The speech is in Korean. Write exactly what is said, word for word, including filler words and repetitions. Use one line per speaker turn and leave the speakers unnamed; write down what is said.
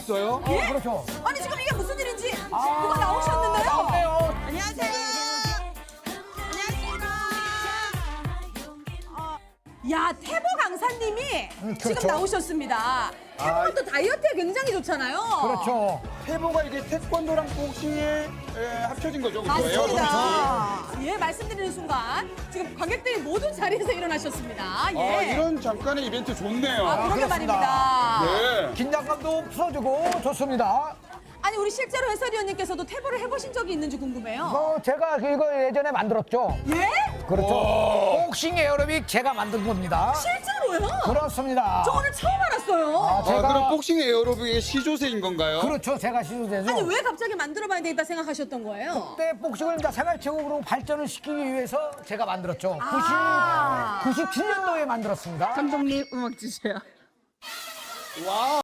있어요?
예?
어, 그렇죠.
아니 지금 이게 무슨 일인지
아,
누가 나오셨는데요?
나왔네요.
안녕하세요. 안녕하십니까. 어, 야 태보 강사님이
음,
지금
그렇죠.
나오셨습니다. 태보는 또 다이어트에 굉장히 좋잖아요.
그렇죠.
태보가 이게 태권도랑 복싱이 에, 합쳐진 거죠, 그죠?
맞습니다. 예, 말씀드리는 순간 지금 관객들이 모두 자리에서 일어나셨습니다. 예.
아, 이런 잠깐의 이벤트 좋네요.
아, 그러게
그렇습니다.
말입니다.
네.
긴장감도 풀어주고 좋습니다.
아니 우리 실제로 해설위원님께서도 태보를 해보신 적이 있는지 궁금해요.
어, 제가 이거 예전에 만들었죠.
예?
그렇죠. 복싱 에어로빅 제가 만든 겁니다.
실제로요?
그렇습니다.
저 오늘 처음 알았어요.
아,
아,
제가
그럼 복싱 에어로빅의 시조세인 건가요?
그렇죠. 제가 시도되죠.
아니 왜 갑자기 만들어봐야 되겠다 생각하셨던 거예요?
그때 복싱을 이제 생활체육으로 발전을 시키기 위해서 제가 만들었죠.
아.
구십칠 년도에 만들었습니다.
감독님 음악 주세요.
와.